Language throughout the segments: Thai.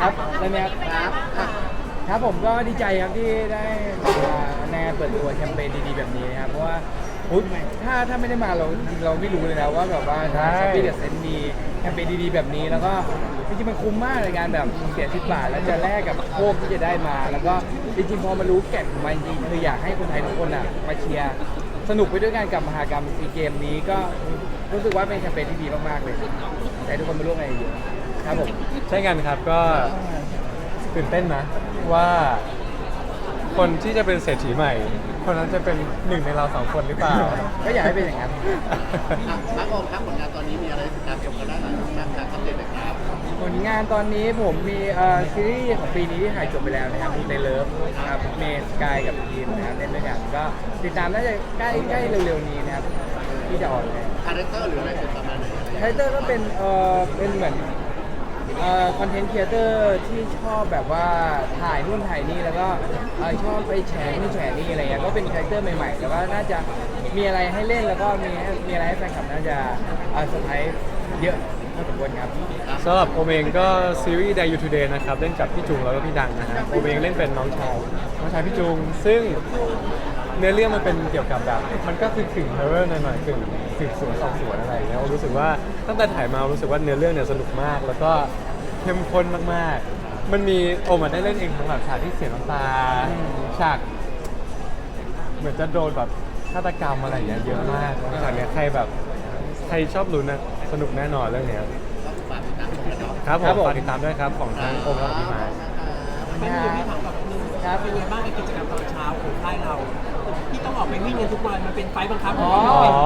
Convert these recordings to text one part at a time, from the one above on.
ครับแล้วเนี่ยครับผมก็ดีใจครับที่ได้มาในเปิดตัวแคมเปญดีๆแบบนี้นะครับเพราะว่าอุ๊ยถ้าไม่ได้มาเราจริงๆเราไม่รู้เลยนะว่าแบบว่าช้อปปี้เดอะเซนต์มีแคมเปญดีๆแบบนี้แล้วก็จริงๆมันคุ้มมากในการแบบเสีย10 บาทแล้วจะแลกกับโชคที่จะได้มา แล้วก็จริงๆพอมารู้แก่นของมันจริงคืออยากให้คนไทยทุกคนอ่ะมาเชียร์สนุกไปด้วยกันกับมหกรรมซีเกมนี้ก็รู้สึกว่าเป็นแคมเปญที่ดีมากๆเลยอยากให้ทุกคนมาร่วมงานเยอะๆครับผมใช่กันครับก็ตื่นเต้นนะว่าคนที่จะเป็นเศรษฐีใหม่ คนนั้นจะเป็นหนึ่งในเราสองคนหรือเปล่าก็อยากให้เป็นอย่างนั้นมาร์คโอมครับผลงานตอนนี้มีอะไรติดตามชมกันได้หน่อยนะครับอัปเดตหน่อยครับผลงานตอนนี้ผมมีซีรีส์ของปีนี้ที่ถ่ายจบไปแล้วนะครับในเลิฟครับเมสกายกับทีมนะครับเล่นด้วยกันก็ติดตามน่าจะใกล้เร็วๆนี้นะครับที่จะออนเลยคาแรคเตอร์หรืออะไรเป็นประมาณไหนคาแรคเตอร์ก็เป็นเหมือนคอนเทนต์ครีเอเตอร์ที่ชอบแบบว่าถ่ายนู่นถ่ายนี่แล้วก็ชอบไปแชร์นู่นแชร์นี่อะไรเงี้ยก็เป็นคาแรคเตอร์ใหม่ๆแล้วก็น่าจะมีอะไรให้เล่นแล้วก็มีอะไรให้แฟนคลับน่าจะเซอร์ไพรส์เยอะพอสมควรครับสำหรับโอมเองก็ซีรีส์ Day You Today นะครับเล่นกับพี่จุงแล้วก็พี่ดังนะฮะโอมเองเล่นเป็นน้องชายพี่จุงซึ่งเนื้อเรื่องมันเป็นเกี่ยวกับแบบมันก็คือกึ่งฮอร์เรอร์หน่อยๆกึ่งสืบสวนสอบสวนอะไรอย่างเงี้ยโอมรู้สึกว่าตั้งแต่ถ่ายมารู้สึกว่าเนื้อเรื่องเนี่ยสนุกมาก แล้วก็เข้มข้นมากๆมันมีโอมได้เล่นเองทั้งแบบฉากที่เสียน้ำตาฉากเหมือนจะโดนแบบฆาตกรรมอะไรอย่างเงี้ยเยอะมากฉากเนี้ยใครชอบลุ้นนะสนุกแน่นอนเรื่องเนี้ยฝากติดตามชมกันเนาะครับผครัมบผมฝากติดตามด้วยครับของทางโอมและพี่ไม้ไม่มีพี่ถามกับนึงครับเป็นไงบ้างกับกิจกรรมตอนเช้าของค่ายเราที่ต้องออกไปวิ่งกันทุกวันมันเป็นไฟล์บังคับอ๋อ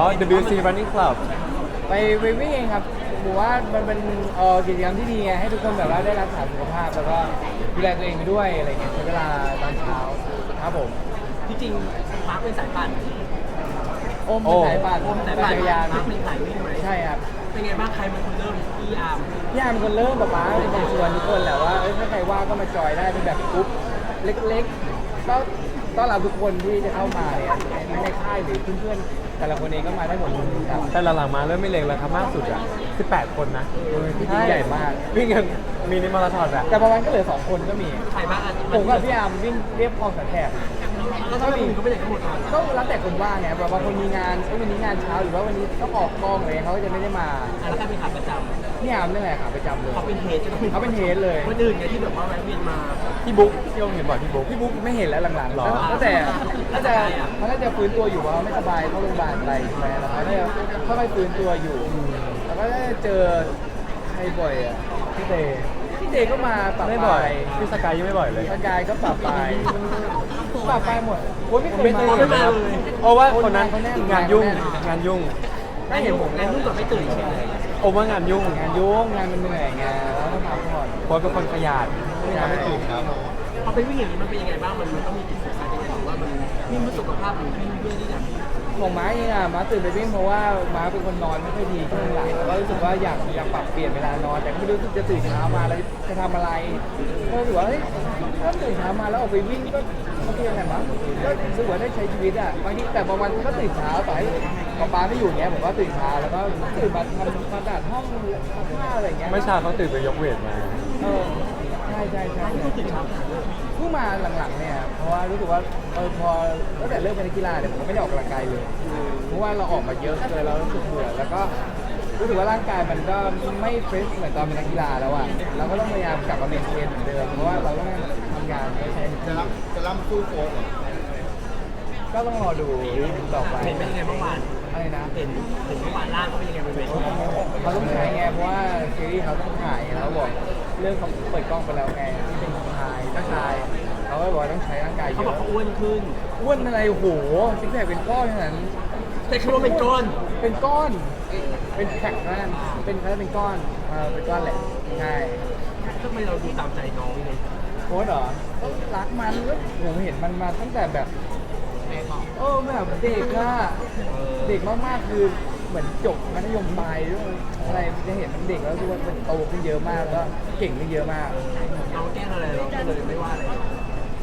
WC Running Club ไปวิ่งเองครับผมว่ามันเป็นกิจกรรมที่ดีไงให้ทุกคนแบบว่าได้รักษาสุขภาพแล้วก็ดูแลตัวเองไปด้วยอะไรเงี้ยใช้เวลาตอนเช้าครับผมที่จริงมาร์คเป็นสายปั่นโอมเป็นสายปั่นโอมสายปั่ปั่นนจักรยานมาร์คเป็นสายวิ่งไหมใช่ครับเป็นไงบ้างใครเป็นคนเริ่มพี่อาร์มพี่อาร์มเป็นคนเริ่มป๊าเป็นคนชวนทุกคนแหละว่าถ้าใครว่างก็มาจอยได้เป็นแบบกรุ๊ปเล็กๆก็ต้อนรับทุกคนที่จะเข้ามาเนี่ยในค่ายหรือเพื่อนๆแต่ละคนเองก็มาได้หมดเลยครับแต่หลังๆมาเริ่มไม่เล็กแล้วครับมากสุดอ่ะ18 คนนะที่ยิ่งใหญ่มากวิ่งกันมินิมาราธอนอะแต่บางวันก็เหลือ2 คนก็มีใครบ้างอ่ะผมกับพี่อาร์มวิ่งเรียบคลองสันแขกแล้วถ้ามีก็ไม่ได้ทั้งหมดเลยก็แล้วแต่คนว่างไงแบบบางคนมีงานวันนี้งานเช้าหรือว่าวันนี้ต้องออกกองอะไรเขาก็จะไม่ได้มาแล้วใครเป็นขาประจพี่อาร์มนี่แหละค่ะประจำเลยำเขาเป็นเฮดใช่ไหมเขาเป็นเฮดเลยคนอื่นไงที่แบบว่าแวะเวียนมาพี่บุ๊กที่โอมเห็นบ่อยพี่บุ๊กพี่บุ๊กไม่เห็นแล้วหลังๆหรอตั้งแต่เขาน่าจะฟื้นตัวอยู่เพราะเขาไม่สบายเข้าโรงพยาบาลไปใช่ไหมแล้วเขาเนี่ยค่อยๆฟื้นตัวอยู่ แล้วก็ได้เจอใครบ่อยอ่ะพี่เตพี่เดก็มาปรับไม่ปบ่อราย ยพี่สกายยังไม่บ่อยเลยสกายก็ปรับปรายหมดโอ้ยไม่เคยไม่เคยมาเห็นนะครับเพราะว่าคนนั้นเขาแน่นงานยุ่งเขาแน่นงานยุ่งไม่เห็นผมงานรุ่งกับไม่ตื่นใช่ไหมโอมว่างานยุ่งงานยุ่งงานมันเหนื่อยไงแล้วต้องพักผ่อนเพราะเป็นคนขยันไม่ทำให้ตื่นครับพอไปวิ่งอย่างนี้มันเป็นยังไงบ้างมันต้องมีจุดสุดท้ายยังไงหรือว่ามันวิ่งเพื่อสุขภาพหรือวิ่งเพื่อที่จะของม้าเองอ่ะม้าตื่นไปวิ่งเพราะว่าม้าเป็นคนนอนไม่ค่อยดีช่วงหลังแล้วก็รู้สึกว่าอยากปรับเปลี่ยนเวลานอน แต่ก็ไม่รู้จะตื่นเช้ามาแล้วจะทำอะไรก็รู้สึกว่าเฮ้ยถ้าตื่นเช้ามาแล้วออกไปวิ่งก็โอเคไงมั้งก็รู้สึกว่าได้ใช้ชีวิตอ่ะบางทีแต่บางวันก็ตื่นเช้าต่อให้ป๊าไม่อยู่เนี้ยผมก็ตื่นเช้าแล้วก็ตื่นมาทำความสะอาดห้องซักผ้าอะไรเงี้ยไม่อเช้าเขาตื่นไปยกเวทมาใช่ต้องตื่นเช้าขนาดนั้นเพิ่งมาหลังๆเนี่ยเพราะว่ารู้สึกว่าพอตั้งแต่เริ่มเป็นนักกีฬาเนี่ยผมก็ไม่ได้ออกกำลังกายเลยเพราะว่าเราออกมาเยอะเลยเรารู้สึกเบื่อแล้วก็รู้สึกว่าร่างกายมันก็ไม่เฟรชเหมือนตอนเป็นนักกีฬาแล้วอ่ะเราก็ต้องพยายามกลับมาเมนเทนเหมือนเดิมเพราะว่าเราต้องทำงานไม่ใช่จะรับสู้โค้ชก็ต้องรอดูต่อไปเห็นเป็นยังไงเมื่อวานอะไรนะเห็นเมื่อวานล่างเขาเป็นยังไงบนเวทีเขาต้องใช้ไงเพราะว่าซีรีส์เขาต้องถ่ายแล้วบอกเรื่องเขาเปิดกล้องไปแล้วไงที่เป็นชายเจ้าชายเขาก็บอกว่าต้องใช้ร่างกายเยเขาบอกอะเขาอ้วนขึ้นอ้วนอะไรโอ้โหซิกแพคเป็นก้อนขนาดนั้นแต่คือว่าเป็นก้อนเป็นก้อน เป็นแพ็คนั่นเป็นเขาเป็นก้อนเป็นก้อนแหละใช่ทำไมเราดูตามใจน้องเลยโค้ดเหรอก็รักมันก็ผมเห็นมันมาตั้งแต่แบบแบบเด็กอะเด็กมากๆคือเหมือนจบมัธยมปลายด้วยอะไรจะเห็นมันเด็กแล้วดูว่ามันโตขึ้นเยอะมากแล้วก็เก่งขึ้นเยอะมากน้องแกล้งอะไรเราก็เลยไม่ว่าอะไร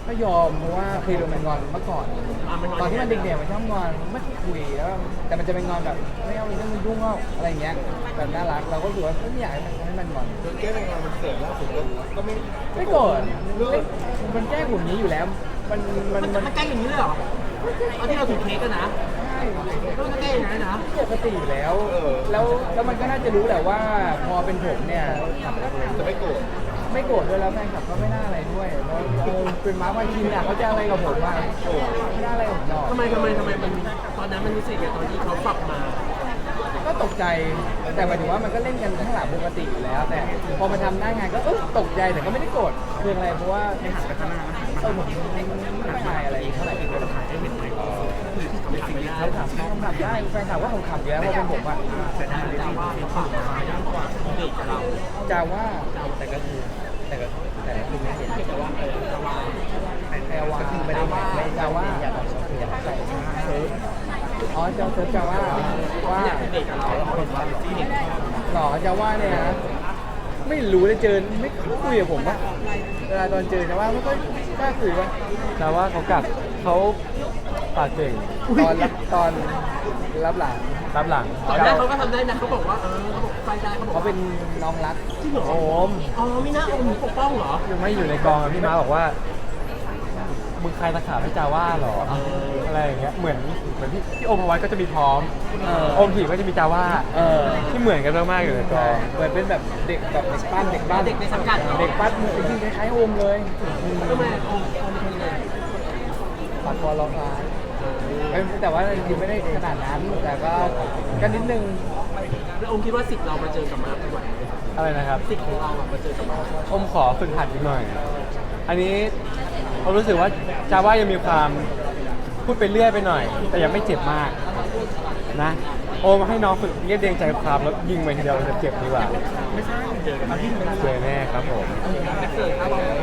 ก็ยอมเพราะว่าเคยโดนมันงอนเมื่อก่อน ตอนที่มันเด็กๆมันชอบงอนไม่คุยแล้วแต่มันจะเป็นงอนแบบไม่เอาเรื่องมึงยุ่งเอาอะไรอย่างเงี้ยแบบน่ารักเราก็รู้สึกว่าไม่อยากให้มันงอนแก้เป็นงานมันเกิดล่าสุดก็ไม่ไม่โกรธมันแกล้งผมนี้อยู่แล้ว มันมันใกล้อย่างนี้เลยเหรอตอนที่เราถือเค้กกันนะก็มันใกล้อย่างนั้นนะปกติอยู่แล้ว แล้วมันก็น่าจะรู้แหละว่าพอเป็นผมเนี่ยจะไม่โกรธไม่โกรธด้วยแล้วแฟนคลับก็ไม่น่าอะไรด้วยแล้วเป็นม้าวันชินอ่ะเขาจะอะไรกับผมบ้างไม่น่าอะไรกับผมหรอกทำไมมันตอนนั้นมันรู้สึกอย่างตอนที่เขาปรับมาก็ตกใจ แต่หมายถึงว่ามันก็เล่นกันข้างหลังปกติอยู่แล้ว แต่พอมาทำหน้างานก็ตกใจแต่ก็ไม่ได้โกรธคืออะไรเพราะว่าไม่หันไปข้างหน้าผมไม่ทายอะไรเท่าไหร่ที่เป็นถ่ายให้เห็นไหมเขาถามได้แฟนถามว่าผมขับอยู่แล้วเพราะเป็นผมอ่ะแต่ว่าเขาปรับมาย่างกว่าเด็กกับเราจาว่าแต่ก็คือไม่เห็นแต่ว่าแต่ว่าก็คือไม่ได้ไม่จาว่าอยากใส่เซิร์ฟอ๋อเซิร์ฟจาว่าว่าเด็กกับเราเราเป็นว่าที่เด็กหล่อจาว่าเนี่ยนะไม่รู้เลยเจอไม่คุยกับผมว่าเวลาตอนเจอจาว่าไม่ค่อยกล้าคุยว่าแต่ว่าเขาปากเก่งตอนรับหลังรับหลังตอนแรกเขาก็ทำได้นะเขาบอกว่าเขาบอกไฟได้เขาบอกเขาเป็นน้องรักที่หนูโอมอ๋อไม่น่าโอมปกป้องเหรอไม่อยู่ในกองอะพี่ม้าบอกว่ามึงใครตะขาบให้จาว่าเหรออะไรอย่างเงี้ยเหมือนพี่โอมเอาไว้ก็จะมีพร้อมโอมถีบก็จะมีจาว่าที่เหมือนกันมากๆอยู่ในกองเหมือนเป็นแบบเด็กแบบเด็กปั้นเด็กบ้านเด็กในสังกัดเหรอเด็กปั้นจริงๆคล้ายๆโอมเลยทำไมโอมเป็นยังไงปัดคอร้องไห้แต่ว่าจริงๆไม่ได้ขนาดนั้น แต่ก็นิดนึงแล้วโอมคิดว่าสิทธิ์เรามาเจอกับมาร์คไหวไหมอะไรนะครับสิทธิ์ของเรามาเจอกับมาร์คอมขอฝึกหัดอีกหน่อย อันนี้ผมรู้สึกว่าจาว่ายังมีความพูดไปเรื่อยไปหน่อย แต่ยังไม่เจ็บมากนะโอมให้น้องฝึกเรียบเรียงใจความแล้วยิงไปทีเดียวจะเจ็บดีกว่าไม่ใช่เจอกันมาที่เจอแน่ครับผมเกิดครับ